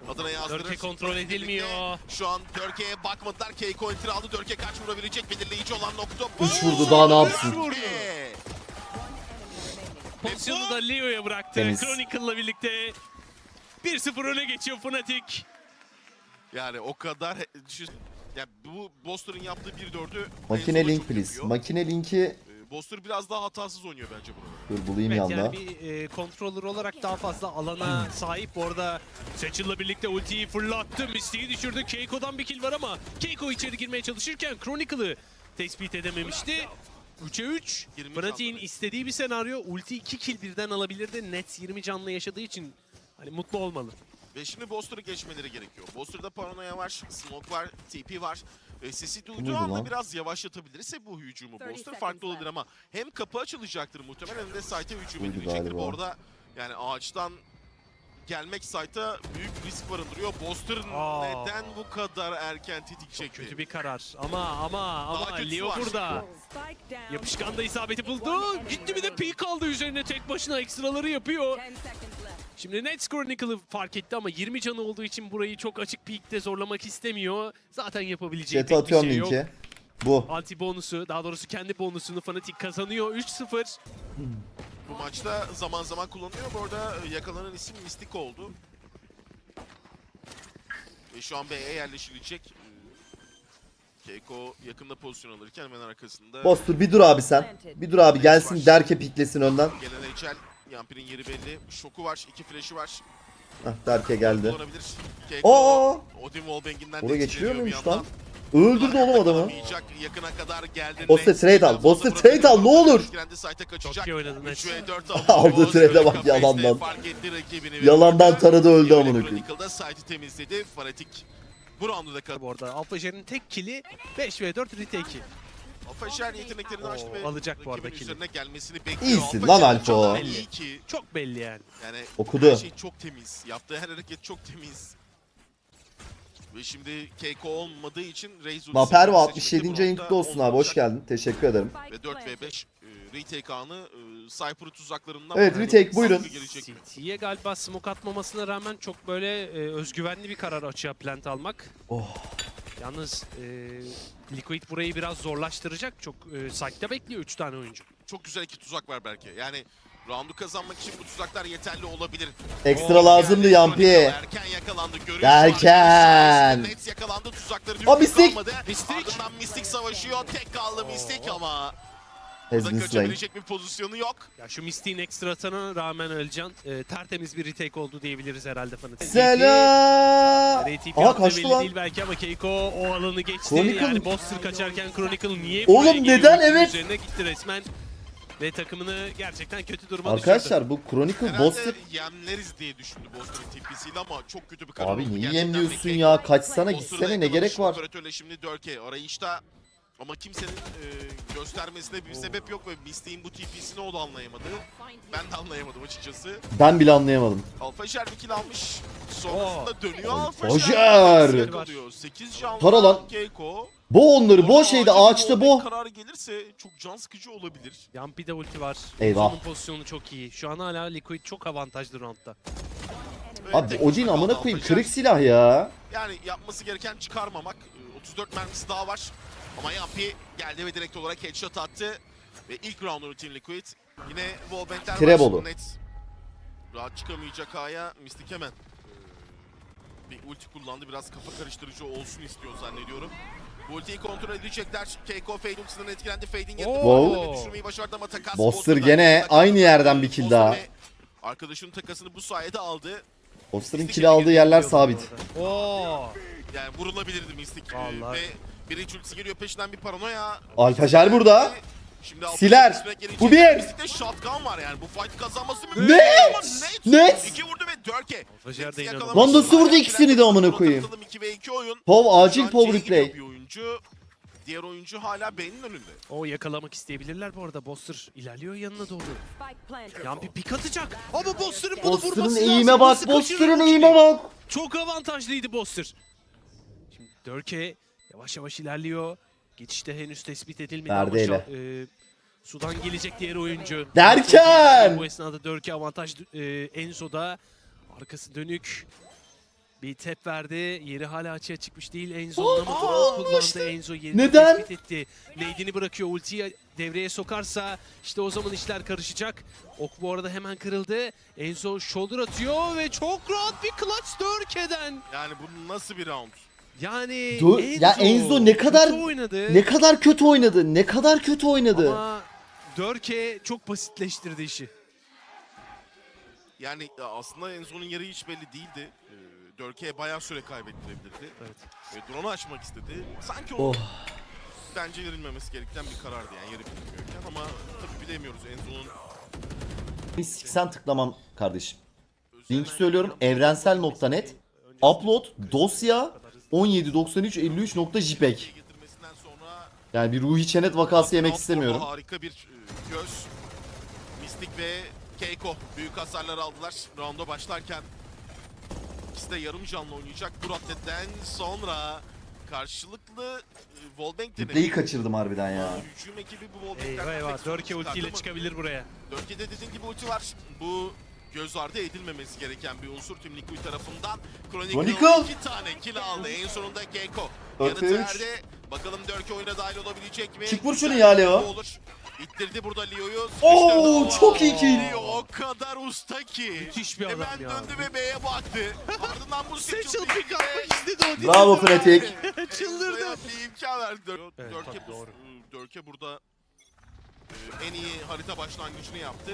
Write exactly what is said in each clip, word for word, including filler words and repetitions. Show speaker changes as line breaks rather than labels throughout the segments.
adına yazdırır.
Dörke kontrol edilmiyor.
Şu an Dörke'ye bakmadılar. Keiko enter aldı. Dörke kaç vurabilecek belirleyici olan nokta bu.
Üç vurdu, daha ne yapsın?
Dörke.
Pozisyonu da Leo'ya bıraktı.
Temiz.
Chronicle'la birlikte bir sıfır öne geçiyor Fnatic.
Yani o kadar düşün. Ya bu Boster'ın yaptığı bir dördü
Makine
Enzo'da
link
çok
please.
yapıyor.
Makine linki.
Ee, Boster biraz daha hatasız oynuyor bence burada.
Dur bulayım
Evet,
yanda.
yani bir e, controller olarak daha fazla alana sahip. Orada Satchel'la birlikte ultiyi fırlattı. Mystic'i düşürdü. Keiko'dan bir kill var ama Keiko içeri girmeye çalışırken Chronicle'ı tespit edememişti. üçe üç.
yirmi
Fnatic'in
canlı.
istediği bir senaryo. Ulti iki kill birden alabilirdi. Nets yirmi canlı yaşadığı için hani mutlu olmalı.
Ve şimdi Boster'ı geçmeleri gerekiyor. Boster'da paranoya var, smoke var, T P var. E, sesi duyduğu
Buydu
anda
lan.
biraz yavaşlatabilirse bu hücumu
otuz
Boster
seconds
farklı olabilir
left.
ama hem kapı açılacaktır muhtemelen hem de site'e hücum
Buydu
edilecektir.
galiba.
Bu arada yani ağaçtan gelmek site'a büyük risk barındırıyor. Boster
Aa.
neden bu kadar erken tetik çekti?
Kötü bir karar. Ama ama ama
kötüsü
Leo
var.
burada.
Spike down.
Yapışkan da isabeti buldu. Gitti bir de peek aldı üzerine tek başına ekstraları yapıyor.
ten seconds left.
Şimdi Nets Chronicle'ı fark etti ama yirmi canı olduğu için burayı çok açık peek'te zorlamak istemiyor. Zaten yapabileceği
Chat'e
pek bir
atıyorum
şey yok.
linki. Bu.
Anti bonusu, daha doğrusu kendi bonusunu Fnatic kazanıyor. üç sıfır.
Bu maçta zaman zaman kullanılıyor. Bu arada yakalanan isim Mystic oldu. Ve şu an B'ye yerleşilecek. Keiko yakında pozisyon alırken hemen arkasında
Bostur bir dur abi sen. Bir dur abi gelsin Derke piklesin önden.
gelen Echel. Yampi'nin yeri belli. Şoku var, iki flash'ı var.
Hah Derke geldi.
Kullanabilir. Keiko
Oo!
Odin Wallbang'inden
Oraya
de
geçiriyor
etkileniyor bir
muymuş
yandan.
lan? Öldürdü oğlum adamı.
Alamayacak, yakına kadar geldi.
Boster
Nets
trade al,
biraz
Boster
fazla
trade al, ne
bırakıyor.
olur.
Kendi site'e kaçacak.
Çok iyi oynadı Nets.
üç ve dört
Aldığı trade'e bak
Kafeste
yalandan.
fark etti rakibini ve
Yalandan
burada
taradı öldü
Yevle
amına koyayım.
Chronicle'da site'i temizledi. Fnatic bu roundu da kazandı.
Bu arada Alphajer'in tek kill'i beş ve dört retake'i.
Alfajer yeteneklerini açtı ve
alacak bu arada
rakibin
kill'i.
üzerine gelmesini bekliyor.
İyisin
Alfajer
lan
o
Alfa.
kadar
Belli.
iyi ki.
Çok belli yani.
Yani
Okudu.
her şey çok temiz. Yaptığı her hareket çok temiz. Ve şimdi Keiko olmadığı için Raze
Maperva altmış yedinci ayın kutlu olsun abi, hoş geldin. Teşekkür ederim.
Ve dört ve beş e, retake anı e, Cypher tuzaklarından
Evet,
bakalım
retake, buyurun.
nasıl gelecek mi?
City'ye galiba smoke atmamasına rağmen çok böyle e, özgüvenli bir karar açığa plant almak.
Oh.
Yalnız e, Liquid burayı biraz zorlaştıracak. Çok e, site'de bekliyor üç tane oyuncu.
Çok güzel iki tuzak var belki. Yani roundu kazanmak için bu tuzaklar yeterli olabilir.
Ekstra
Oo,
lazımdı
yani
Yampi.
Erken yakalandı. Görüş
Derken.
var. Nets yakalandı. Tuzakları
O Mystic.
kalmadı.
Mystic.
Ardından Mystic savaşıyor. Tek kaldı Mystic ama
Has
burada
been slain.
kaçabilecek bir pozisyonu yok.
Ya şu Mystic'in ekstrasına rağmen Ölcan e, tertemiz bir retake oldu diyebiliriz herhalde Fnatic.
Selam.
R T P
Aha
attığı
kaçtı
belli
lan.
değil belki ama Keiko o alanı geçti.
Chronicle-
Yani Boster kaçarken Chronicle niye
Oğlum
buraya geliyor?
neden?
Ultinin
Evet.
Üzerine gitti resmen. Ve takımını gerçekten kötü duruma düşürdü.
Arkadaşlar bu Chronicle
Herhalde
Boster.
yemleriz diye düşündü Boster'ın T P'siyle ama çok kötü bir karar oldu.
Abi niyi
Gerçekten
yemliyorsun
Keiko
ya? Kaçsana
Boster'da
gitsene, ne
yakalamış.
gerek var?
Operatörle şimdi Dörke arayışta ama kimsenin e, göstermesine bir sebep yok ve Mystic'in bu T P'sini o da anlayamadı. Ben de anlayamadım açıkçası.
Ben bile anlayamadım.
Alfajer bir kill almış. Sonrasında dönüyor
Alfajer!
Yakalıyor. sekiz can
Tara lan.
Keiko.
Bu onları, bu
Orada
şeyde
acil bir
ağaçta
wallbang
bu.
kararı gelirse çok can sıkıcı olabilir.
Yampi'de ulti var.
Eyvah.
Uzun'un pozisyonu çok iyi. Şu an hala Liquid çok avantajlı roundda.
Ve
Abi
tek
Odin
başına
amına
kaldı
koyayım,
Alfajer.
kırık silah ya.
Yani yapması gereken çıkarmamak. Ee, otuz dört mermisi daha var. Ama Yampi geldi ve direkt olarak headshot attı. Ve ilk round'unu Team Liquid. Yine wallbang'ler var.
Trebolu.
Net. Rahat çıkamayacak A'ya Mystic hemen. Ee, bir ulti kullandı. Biraz kafa karıştırıcı olsun istiyor zannediyorum. Bu ultiyi kontrol edecekler. Keiko Fade ultisinden etkilendi. Fade'in yerine
Wow.
düşürmeyi başardı ama takas.
Boster
Boster'dan
gene
yakında
aynı
kaldı.
yerden bir kill
Boster
daha.
ve arkadaşının takasını bu sayede aldı.
Boster'ın kill aldığı yerler sabit.
Oo.
Yani vurulabilirdi Mystic. Ee,
Vallahi.
Ve bir iç ultisi geliyor peşinden bir paranoya.
Alfajer burada.
Şimdi Alfajer
Siler.
üstüne gelecek.
Bu bir.
Mystic'te shotgun var yani. Bu fight kazanması mümkün.
Net.
Ama Net.
Net.
İki vurdu ve Dörke.
Alfajer de
Nets'i
inanılmaz.
yakalamış.
Lan nasıl vurdu ikisini de amına
Sonra
koyayım?
tanıtalım iki ve iki oyun.
Pov
Şu
acil
an
Pov
C'ye gidiyor
replay.
bir oyuncu. Diğer oyuncu hala B'nin önünde.
O yakalamak isteyebilirler bu arada. Boster ilerliyor yanına doğru.
Spike planted.
Yampi pik atacak. Ama Boster'ın bunu
Boster'ın
vurması
eğime
lazım.
bak,
Nasıl kaçırır
Boster'ın
bu
eğime
kili?
bak.
Çok avantajlıydı Boster. Şimdi Dörke yavaş yavaş ilerliyor. Geçişte henüz tespit edilmedi ama
Perdeyle.
şu- e, sudan gelecek diğer oyuncu.
Derken!
Bu esnada Dörke avantaj e, Enzo'da. Arkası dönük. Bir tep verdi. Yeri hala açığa çıkmış değil Enzo'nun ama drone kullandı. Enzo yerini
Neden?
tespit etti. Nade'ini bırakıyor. Ultiyi devreye sokarsa işte o zaman işler karışacak. Ok bu arada hemen kırıldı. Enzo shoulder atıyor ve çok rahat bir clutch Dörke'den.
Yani bu nasıl bir round?
Yani
Dö-
Enzo,
ya Enzo ne kadar-
kötü oynadı.
Ne kadar kötü oynadı. Ne kadar kötü oynadı.
Ama Dörke çok basitleştirdi işi.
Yani ya aslında Enzo'nun yeri hiç belli değildi. Ee, Dörke'ye bayağı süre kaybettirebilirdi.
Evet.
Ve drone'u açmak istedi. Sanki o
Oh.
bence verilmemesi gereken bir karardı yani yeri bilmiyorken ama tabii bilemiyoruz Enzo'nun
Mistik sen tıklamam kardeşim. Link söylüyorum evrensel nokta net. Upload dosya on yedi doksan üç elli üç nokta jpeg.
getirmesinden sonra
Yani bir Ruhi Çenet vakası yemek
Round
istemiyorum.
orada harika bir e, göz. Mystic ve Keiko büyük hasarlar aldılar rounda başlarken. İkisi de yarım canlı oynayacak. Bu raddeden sonra karşılıklı e, wallbang
Replay'i
denemeyi.
kaçırdım harbiden ya.
Hücum ekibi bu wallbang'den
Eyvah eyvah.
pek sorun
Dörke ultiyle
çıkardı ama
çıkabilir buraya.
Dörke'de dediğin gibi ulti var. Bu göz ardı edilmemesi gereken bir unsur tüm Liquid tarafından. Chronicle
Chronicle!
iki tane kill aldı. En sonunda Keiko.
Dört ve
Yanıtı
üç.
verdi. Bakalım Dörke oyuna dahil olabilecek mi?
Çık vur şunu
Güzel
ya
bir
Leo.
combo olur. İttirdi burada Leo'yu.
Oo,
Sıkıştırdı.
çok iyi kill.
Leo o kadar usta ki.
Müthiş bir adam
Hemen
ya.
döndü ve B'ye baktı. Ardından bu
Satchel
seçildi.
pick atmak istedi o.
Bravo Fnatic.
Çıldırdı.
Enzo'ya bir imkan verdi. Dör-
Evet,
Dörke,
tabii,
bu-
doğru.
Dörke burada e, en iyi harita başlangıcını yaptı.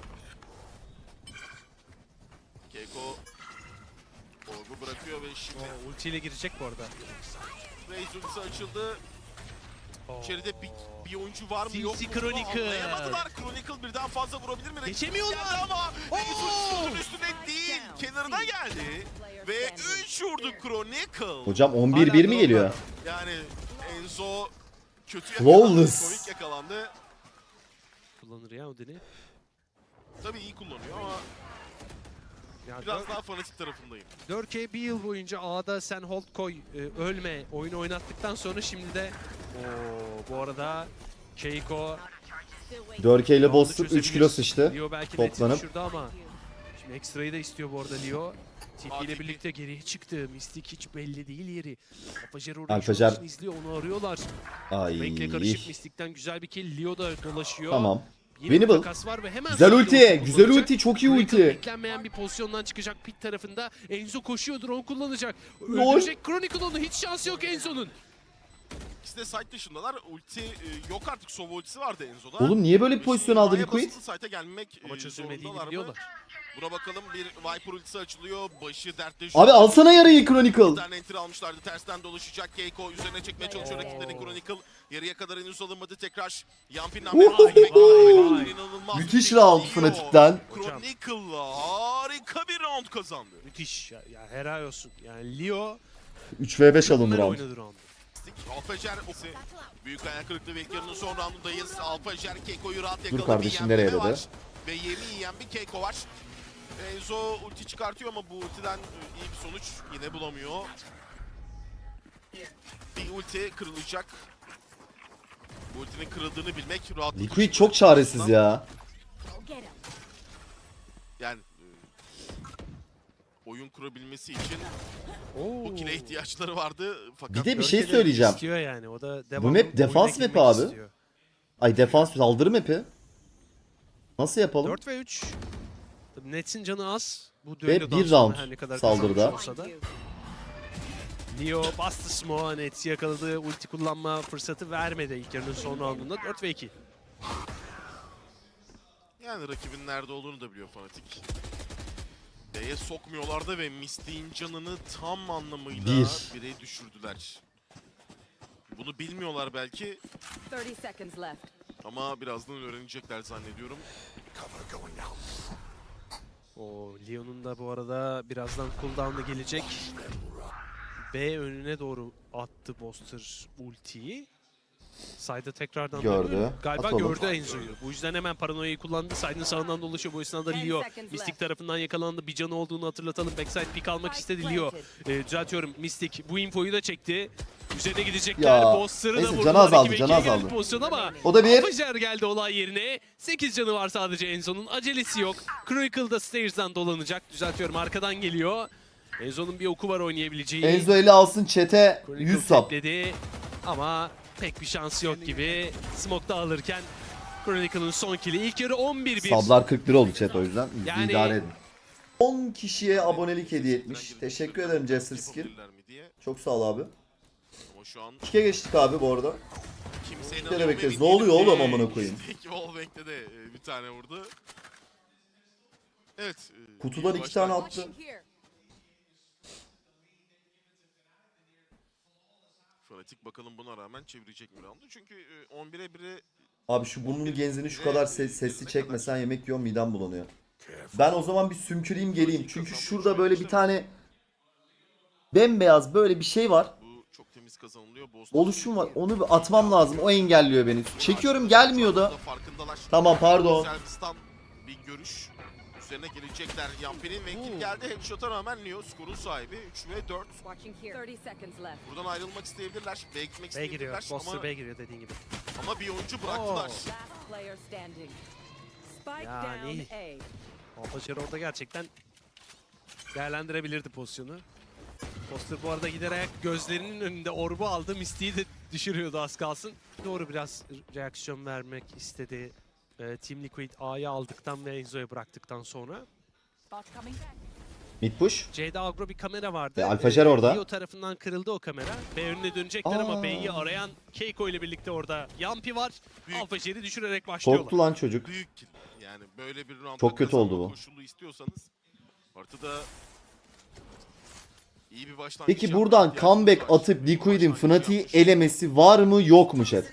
Keiko orbu bırakıyor ve şimdi
O ultiyle girecek bu arada.
Raze ultisi açıldı.
Oo.
İçeride bir, bir oyuncu var mı
Sinsi
yok mu?
Chronicle.
Anlayamadılar. Chronicle birden fazla vurabilir mi? Rakip
Geçemiyorlar.
geldi ama Raze
Oo.
ultisinin üstüne değil. Kenarına geldi. Ve üç vurdu Chronicle.
Hocam on bir bir mi geliyor?
Yani Enzo kötü
Flawless.
yakalandı. Komik yakalandı.
Kullanır ya Odin'i.
Tabii iyi kullanıyor ama
Ya
biraz
Dör-
daha fanatik tarafındayım.
Dörke bir yıl boyunca A'da sen hold koy, e, ölme oyunu oynattıktan sonra şimdi de Oo, bu arada Keiko
Dörke ile
roundu
Boster üç
çözebilir.
kilo sıçtı.
Leo belki
Toplanıp.
düşürdü ama şimdi ekstrayı da istiyor bu arada Leo. T P ile
A T P.
birlikte geriye çıktı. Mystic hiç belli değil yeri. Alfajer orada
Alfajer.
şu an izliyor, onu arıyorlar.
Ay.
Renkle karışık Mystic'ten güzel bir kill. Leo da dolaşıyor.
Tamam.
Yeni bir
Winnable.
takas var ve hemen
Güzel
sonra
ulti.
ulti
Güzel
kullanacak.
ulti. Çok iyi
Chronicle
ulti.
beklenmeyen bir pozisyondan çıkacak pit tarafında. Enzo koşuyor, drone kullanacak.
Lol.
Öldürecek Chronicle onu. Hiç şansı yok Enzo'nun.
İkisi de site dışındalar. Ulti e, yok artık. Sova ultisi vardı Enzo'da.
Oğlum niye böyle bir pozisyon aldı
Maya
Liquid?
basılı site'e gelmek
Ama
e,
çözülmediğini
zorundalar mı?
biliyorlar.
Buna bakalım, bir Viper ultisi açılıyor. Başı dertte.
Abi alsana yarıyı
Bir
Chronicle.
tane enter almışlardı. Tersten dolaşacak. Keiko üzerine çekmeye çalışıyor rakiplerini. Chronicle yarıya kadar henüz alınmadı. Tekrar Yampin'den
Vay,
bir bekliyor.
vay.
İnanılmaz.
Müthiş
bir
round
geliyor.
Fnatic'ten.
Hocam.
Chronicle'la harika bir round kazandı.
Müthiş. Ya, ya helal olsun. Yani Leo
üç ve beş alındı
bunlar
round.
oynadı round.
Alfajer büyük ayak kırıklığı ve ilk yarının son roundundayız. Alfajer Keiko'yu rahat yakaladı.
kardeşim,
Bir
nereye
yenme
dedi?
var. Ve yemi yiyen bir Keiko var. Enzo ulti çıkartıyor ama bu ultiden e, iyi bir sonuç yine bulamıyor. Bir ulti kırılacak. Bu ultinin kırıldığını bilmek rahatlık.
Liquid çok çaresiz ya.
Yani e, oyun kurabilmesi için
Oo.
bu kile ihtiyaçları vardı. Fakat
Bir de bir
Dörke
şey
de
söyleyeceğim.
istiyor yani. O da
Bu
devamlı
map defans
oyuna
map'i
girmek
abi.
istiyor.
Ay defans saldırı map'i. Nasıl yapalım?
dört ve üç. Tabii Nets'in canı az. Bu
Ve
düellodan
bir
sonra
round
her ne kadar
saldırıda.
kazanmış olsa da. Leo bastı smoke'a, Nets'i yakaladı. Ulti kullanma fırsatı vermedi ilk yarının son roundunda. dört ve iki.
yani rakibin nerede olduğunu da biliyor Fnatic. B'ye sokmuyorlardı ve Mystic'in canını tam anlamıyla
Bir.
bire düşürdüler. Bunu bilmiyorlar belki
thirty seconds left.
ama birazdan öğrenecekler zannediyorum.
O Leon'un da bu arada birazdan cooldown'da gelecek. B önüne doğru attı Boster ultiyi. Side'a tekrardan
Gördü.
dönüyor. Galiba
At oğlum.
gördü Enzo'yu. Bu yüzden hemen paranoyayı kullandı. Side'ın sağından dolaşıyor. Bu esnada
ten
Leo
seconds
Mystic
left.
tarafından yakalandı. Bir canı olduğunu hatırlatalım. Backside pick almak istedi Leo. Ee, düzeltiyorum. Mystic bu infoyu da çekti. Üzerine gidecekler.
Ya,
Boster'ı da
neyse,
vurdular.
canı azaldı,
İki ve
canı
ikiye geldi
azaldı.
pozisyon ama
O da bir.
Alfajer geldi olay yerine. sekiz canı var sadece Enzo'nun. Acelesi yok. Chronicle da Stairs'dan dolanacak. Düzeltiyorum. Arkadan geliyor. Enzo'nun bir oku var oynayabileceği.
Enzo eli alsın chat'e
Chronicle
yüz sap.
tekledi ama pek bir şansı yok gibi. Smoke'da alırken Chronicle'ın son kill'i. İlk yarı on bir bir.
Sablar kırk lira oldu chat, o yüzden
Yani-
idare edin. on kişiye abonelik hediye etmiş. Teşekkür ederim Jester Skill.
Yapabilirler mi diye.
Çok sağ ol abi.
Ama şu an
İkiye geçtik abi bu arada.
kimse
kere
inanıyor mu
bekleriz.
emin
Ne oluyor
değilim.
oğlum amına koyayım?
Peki Wallbank'te de e, bir tane vurdu. Evet. e,
Kutudan
iyi
iki tane
başlangıç.
attı.
Fanatik bakalım buna rağmen çevirecek mi roundu? Çünkü e, on bire bire
Abi şu burnunu genzini şu kadar ses, sesli çekmesen yemek yiyorum, midem bulanıyor. Ben o zaman bir sümküreyim geleyim. Çünkü şurada böyle bir tane bembeyaz böyle bir şey var.
bu çok temiz kazanılıyor. Boston
Oluşum var. Onu bir atmam lazım. O engelliyor beni. Çekiyorum, gelmiyor da.
Farkındalar.
Tamam, pardon.
Servistan bir görüş. Üzerine gelecekler. Yampi'nin ve kill geldi. Headshot'a rağmen Leo skorun sahibi. üç ve dört.
Watching here. thirty seconds left.
Buradan ayrılmak isteyebilirler. B'ye gitmek
B giriyor.
isteyebilirler.
Boster
Ama,
B giriyor dediğin gibi.
ama bir oyuncu bıraktılar.
Last player standing. Spike
Yani.
down A.
Alpaçer orada gerçekten değerlendirebilirdi pozisyonu. Poster bu arada giderek gözlerinin önünde orbu aldı. Misty'yi de düşürüyordu az kalsın. Doğru biraz reaksiyon vermek istedi. Ee, Team Liquid A'yı aldıktan ve Enzo'ya bıraktıktan sonra.
Spot coming back.
Mid push.
C'de agro bir kamera vardı.
Ve Alfajer orada.
Leo tarafından kırıldı o kamera. B önüne dönecekler
Aa.
ama B'yi arayan Keiko ile birlikte orada Yampi var.
Büyük.
Alfajer'i düşürerek başlıyorlar.
Korktu lan çocuk.
Büyük kill. Yani böyle bir round
Çok kötü oldu bu.
koşulu istiyorsanız ortada iyi bir başlangıç.
Peki
yapmaya
buradan
ihtiyacınız
comeback
var.
atıp Liquid'in
Başlangıç
Fnatic'i
yapmış.
elemesi var mı yok mu chat?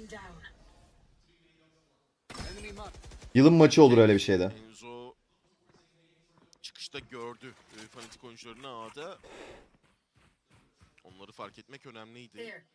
Yılın maçı olur öyle bir şeyde.
Enzo çıkışta gördü e, fanatik oyuncularını A'da. Onları fark etmek önemliydi.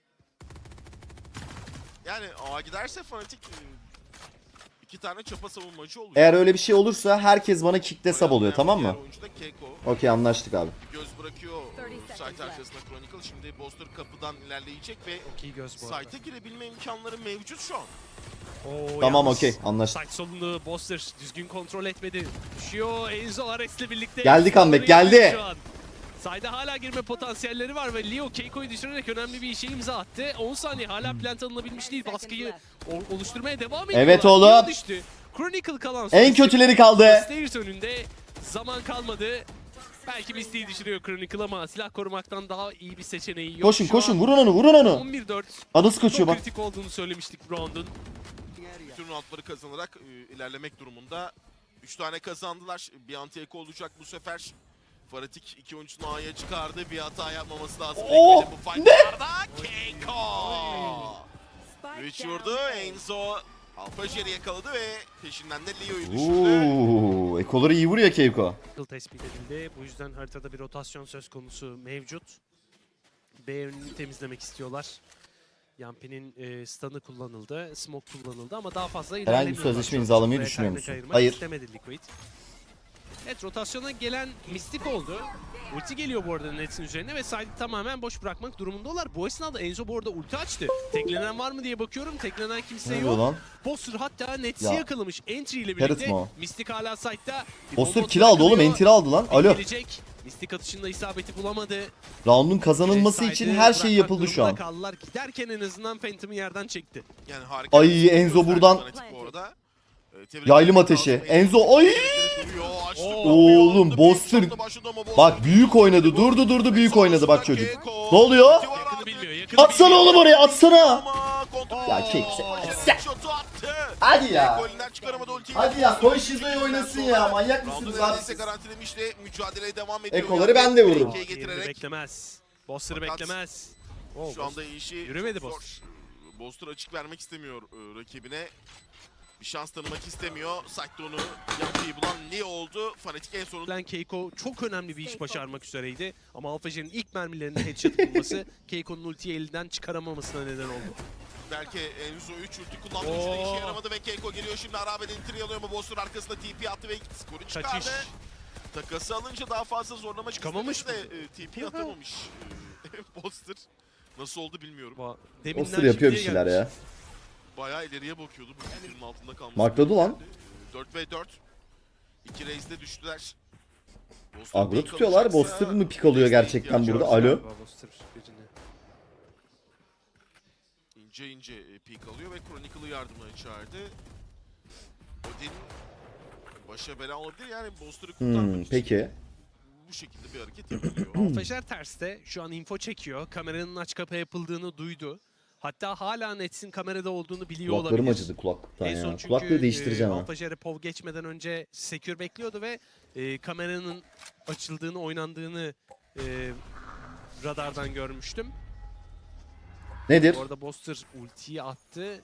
Yani A giderse fanatik e, iki tane çapa savunmacı olacak.
Eğer öyle bir şey olursa herkes bana kickte sub oluyor,
Oynayan
tamam
diğer
mı?
oyuncu da Keiko.
Okey, anlaştık abi.
Göz bırakıyor
thirty seconds
site
left.
arkasında Chronicle. Şimdi Boster kapıdan ilerleyecek ve
Çok iyi göz bu arada.
site'e girebilme imkanları mevcut şu an.
Oo,
Tamam,
yalnız
okey, anlaştık.
Site solunu Boster düzgün kontrol etmedi. Düşüyor Enzo Ares'le birlikte.
Geldi comeback,
Enzo'ları
geldi.
şu an. Side'a hala girme potansiyelleri var ve Leo Keiko'yu düşürerek önemli bir işe imza attı. on saniye hala plant alınabilmiş değil. Baskıyı o- oluşturmaya devam ediyorlar.
Evet oğlum.
Leo düştü. Chronicle kalan son
En
isim.
kötüleri kaldı.
Stairs önünde zaman kalmadı. Belki Misty'yi düşürüyor Chronicle ama silah korumaktan daha iyi bir seçeneği yok.
Koşun
Şu
koşun,
an
vurun onu, vurun onu.
on bir dört.
Adası kaçıyor
Çok
bak.
kritik olduğunu söylemiştik bu round'un.
Bütün roundları kazanarak e, ilerlemek durumunda. üç tane kazandılar. Bir anti-eko olacak bu sefer. Fanatik iki oyuncusunu A'ya çıkardı. Bir hata yapmaması lazım.
Oo,
Bekledi bu fightlarda. Keiko!
Spike
üç
down
vurdu.
A.
Enzo Alfajer'i yakaladı ve peşinden de Leo'yu düşürdü.
Uuu, ekoları iyi vuruyor Keiko.
Yıl tespit edildi. Bu yüzden haritada bir rotasyon söz konusu mevcut. B önünü temizlemek istiyorlar. Yampi'nin e, stun'ı kullanıldı, smoke kullanıldı ama daha fazla ilerlemiyorlar.
sözleşme
Çok
imzalamayı
buraya
düşünüyor
kaynak
musun?
ayırmak
Hayır.
istemedi Liquid. Evet, rotasyona gelen Mystic oldu. Ulti geliyor bu arada Nets'in üzerine ve side'i tamamen boş bırakmak durumundalar. Bu esnada Enzo bu arada ulti açtı. Teklenen var mı diye bakıyorum. Teklenen kimse
Ne diyor
yok.
lan?
Boster hatta Nets'i
Ya.
yakalamış entry ile
Parrot
birlikte.
mu o?
Mystic hala side'da. Bir
Boster
bomba
kill aldı oğlum,
bırakılıyor.
entry aldı lan. Alo.
Gelecek. Mystic atışında isabeti bulamadı.
Round'un kazanılması
Side'ı
için her şey
bırakmak
yapıldı şu
durumunda
an.
Kaldılar. Giderken en azından Phantom'ı yerden çekti.
Yani harika.
Ay,
bir skor
Enzo
gösterdi
buradan-
Fnatic bu arada. Ee, tebrik
Yaylım
etmek
ateşi.
lazım.
Enzo, ay!
Duruyor, açtı
Oo.
kapıyı,
Oğlum,
alındı.
Boster-
Bir shotla başladı ama Boster-
Bak büyük oynadı, durdu durdu büyük oynadı bak çocuk.
Keiko.
Ne oluyor?
Yakını bilmiyor. Yakını
Atsana
bilmiyor.
oğlum oraya, atsana.
Ama kontrol-
Ya Keiko,
Oo,
sen-
şotu attı.
Hadi ya.
Keiko elinden çıkaramadı ultiyi.
Hadi ya, koy Shizo'yu oynasın ya, manyak
Roundu
mısınız abi
neredeyse
siz?
garantilemiş de mücadeleye devam ediyor.
Ekoları ben de vururum.
ikiye
Yerini
getirerek
beklemez. Boster'ı
Fakat
beklemez. Oo,
şu anda işi
Yürümedi
çok
Boster.
zor. Boster açık vermek istemiyor e, rakibine. Bir şans tanımak istemiyor. Sait'te onu yapıyı bulan Leo oldu. Fanatik en sonunda
Lan Keiko çok önemli bir iş başarmak üzereydi. Ama Alfajer'in ilk mermilerinde headshot bulması Keiko'nun ultiyi elinden çıkaramamasına neden oldu.
belki Enzo üç ulti kullandı.
Oo.
Üçü de işe yaramadı ve Keiko geliyor şimdi. Arabe'den entry alıyor ama Boster arkasında T P attı ve skoru çıkardı.
Kaçış.
Takası alınca daha fazla zorlamak
Çıkamamış
istemedi de e, T P atamamış. E, Boster nasıl oldu bilmiyorum.
Ba- Deminden
Boster yapıyor bir
şimdiye
şeyler
gelmiş.
ya.
Bayağı ileriye bakıyordu. Bu filmin altında kalması.
Markladı lan.
dört ve dört. İki race'de düştüler. Boster
Agro
pick
tutuyorlar.
alacaksa
Boster mı pik alıyor
desteğe
gerçekten
ihtiyacı
burada?
var.
Alo.
Galiba Buster birini.
İnce ince e, pick alıyor ve Chronicle'ı yardımına çağırdı. Odin başa bela olabilir yani Boster'ı kurtarmak
Hmm,
için
peki.
bu şekilde bir hareket yapıyor.
Alfajer terste şu an info çekiyor. Kameranın aç kapa yapıldığını duydu. Hatta hala Nets'in kamerada olduğunu biliyor
Kulaklarım
olabilir.
acıdı kulaklıktan
En son
ya.
çünkü
Kulaklığı değiştireceğim
e,
ha.
Alfajer'e P O V geçmeden önce Secure bekliyordu ve e, kameranın açıldığını, oynandığını e, radardan görmüştüm.
Nedir?
Orada Boster ultiyi attı.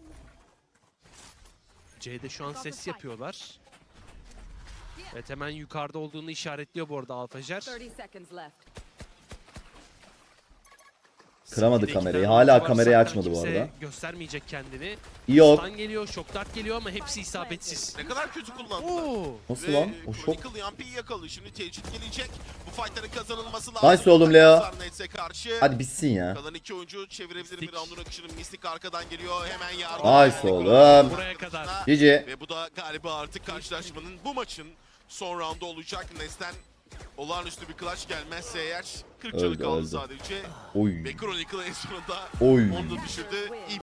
C'de şu an ses yapıyorlar. Evet, hemen yukarıda olduğunu işaretliyor bu arada Alfajer.
thirty seconds left.
Kıramadı
City'de iki
kamerayı.
tane
Hala
oyuncu var.
kamerayı
Zaten
açmadı bu
kimse
arada.
göstermeyecek kendini.
Yok.
Stun geliyor, şok dart geliyor ama hepsi isabetsiz.
Ne kadar kötü kullandılar.
Oo.
Nasıl
Ve
lan? O şok.
Chronicle Yampi'yi yakaladı. Şimdi tecrit gelecek. Bu fightların kazanılması lazım.
Nice oğlum Leo.
Nets'e karşı.
Hadi bitsin ya.
Kalan iki oyuncu çevirebilir bir
Mystic.
roundun akışını. Mystic arkadan geliyor. Hemen yardım.
Nice
Mystic
oğlum.
oyuncusunun
Buraya kadar.
arkasına.
Cici.
Ve bu da galiba artık karşılaşmanın bu maçın son roundu olacak. Nets'ten olağanüstü bir clutch gelmezse eğer kırk canı
Öldü,
kaldı
öldü.
sadece.
Oy.
Ve Chronicle en sonunda
Oy.
onu da düşürdü. İyi